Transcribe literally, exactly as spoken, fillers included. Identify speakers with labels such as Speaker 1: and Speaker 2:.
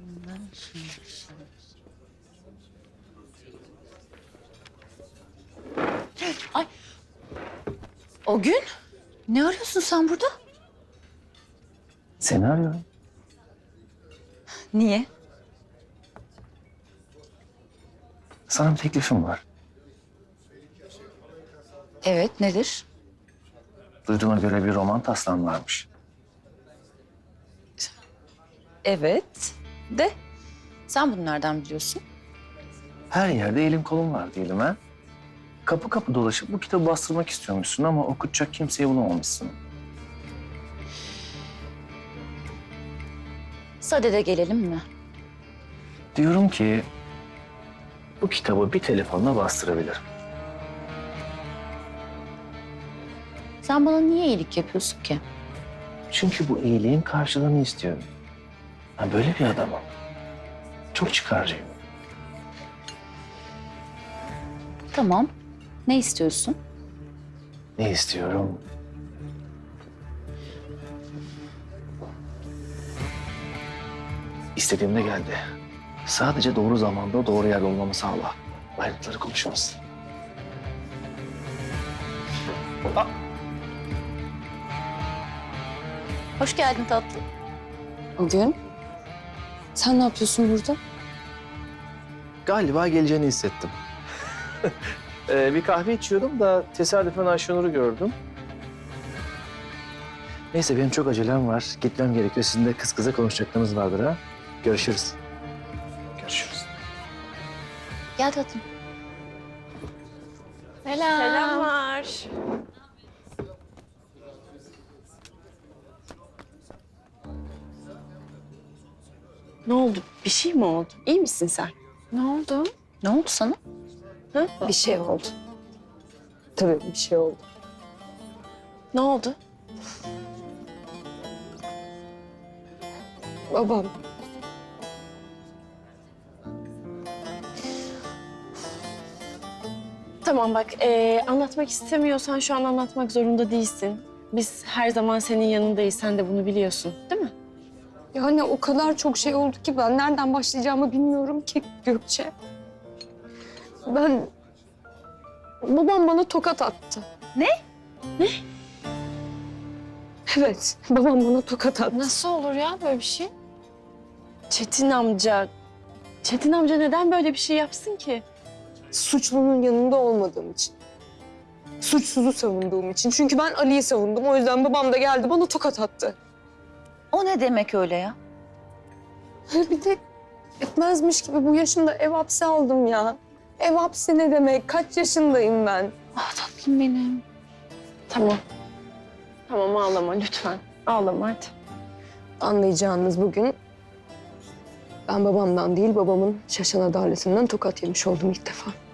Speaker 1: Ay. O gün ne arıyorsun sen burada?
Speaker 2: Seni arıyorum.
Speaker 1: Niye?
Speaker 2: Sana bir teklifim var.
Speaker 1: Evet, nedir?
Speaker 2: Duyduğuma göre bir roman taslağın varmış.
Speaker 1: Evet. De sen bunu nereden biliyorsun?
Speaker 2: Her yerde elim kolum var diyelim ha. Kapı kapı dolaşıp bu kitabı bastırmak istiyormuşsun ama okutacak kimseyi bulamamışsın.
Speaker 1: Sadede gelelim mi?
Speaker 2: Diyorum ki bu kitabı bir telefonla bastırabilirim.
Speaker 1: Sen bana niye iyilik yapıyorsun ki?
Speaker 2: Çünkü bu iyiliğin karşılığını istiyorum. Ben böyle bir adamım. Çok çıkarcıyım.
Speaker 1: Tamam. Ne istiyorsun?
Speaker 2: Ne istiyorum? İstediğimde geldi. Sadece doğru zamanda doğru yerde olmamı sağla. Ayrıntıları konuşuruz.
Speaker 1: Hoş geldin tatlım.
Speaker 3: O gün. Sen ne yapıyorsun burada?
Speaker 2: Galiba geleceğini hissettim. ee, bir kahve içiyordum da tesadüfen Ayşenur'u gördüm. Neyse benim çok acelem var. Gitmem gerekiyor. Sizin de kız kıza konuşacaklarınız vardır ha. Görüşürüz. Görüşürüz.
Speaker 1: Gel tatlım.
Speaker 3: Selam.
Speaker 4: Selamlar. Ne oldu? Bir şey mi oldu? İyi misin sen?
Speaker 3: Ne oldu?
Speaker 1: Ne oldu sana?
Speaker 4: Ha?
Speaker 3: Bir şey oldu. Tabii bir şey oldu.
Speaker 4: Ne oldu?
Speaker 3: Babam.
Speaker 4: Tamam bak, ee, anlatmak istemiyorsan şu an anlatmak zorunda değilsin. Biz her zaman senin yanındayız. Sen de bunu biliyorsun, değil mi?
Speaker 3: Yani o kadar çok şey oldu ki ben nereden başlayacağımı bilmiyorum ki Gökçe. Ben... Babam bana tokat attı.
Speaker 1: Ne?
Speaker 4: Ne?
Speaker 3: Evet, babam bana tokat attı.
Speaker 4: Nasıl olur ya böyle bir şey? Çetin amca... Çetin amca neden böyle bir şey yapsın ki?
Speaker 3: Suçlunun yanında olmadığım için. Suçsuzu savunduğum için. Çünkü ben Ali'yi savundum. O yüzden babam da geldi bana tokat attı.
Speaker 1: O ne demek öyle ya?
Speaker 3: Bir de etmezmiş gibi bu yaşımda ev hapsi aldım ya. Ev hapsi ne demek? Kaç yaşındayım ben?
Speaker 1: Ah tatlım benim.
Speaker 4: Tamam. Tamam ağlama lütfen. Ağlama hadi.
Speaker 3: Anlayacağınız bugün ben babamdan değil babamın şaşan adaletinden tokat yemiş oldum ilk defa.